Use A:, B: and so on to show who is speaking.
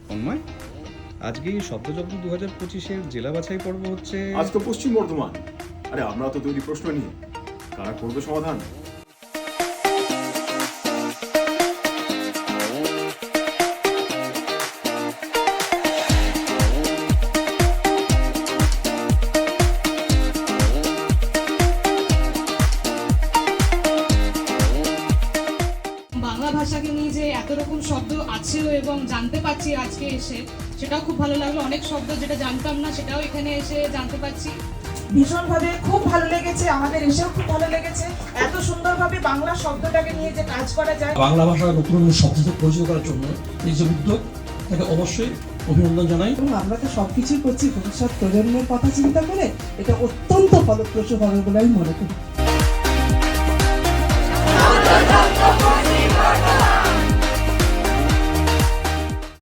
A: তন্ময়, আজকে এই শব্দযজ্ঞ 2025-এর জেলা বাছাই পর্ব হচ্ছে।
B: আজ তো পশ্চিম বর্ধমান। আরে আমরা তো তৈরি প্রশ্ন নিয়ে, কারা করবে সমাধান?
C: বাংলা ভাষাকে নিয়ে যে এত রকম শব্দ আছেও এবং জানতে পারছি আজকে এসে, সেটাও খুব ভালো লাগলো। অনেক শব্দ যেটা জানতাম না সেটাও এখানে এসে জানতে পারছি।
D: ভীষণভাবে খুব ভালো লেগেছে, আমাদের এসেও খুব ভালো লেগেছে। এত সুন্দরভাবে বাংলা শব্দটাকে নিয়ে যে কাজ করা যায়,
E: বাংলা ভাষার নতুন নতুন শব্দ পরিচিত করার জন্য এই যে উদ্যোগ, তাকে অবশ্যই অভিনন্দন জানাই।
D: এবং আমরা তো সবকিছুই করছি ভবিষ্যৎ প্রজন্মের কথা চিন্তা করে। এটা অত্যন্ত ফলপ্রসূ হবে বলে আমি মনে করি।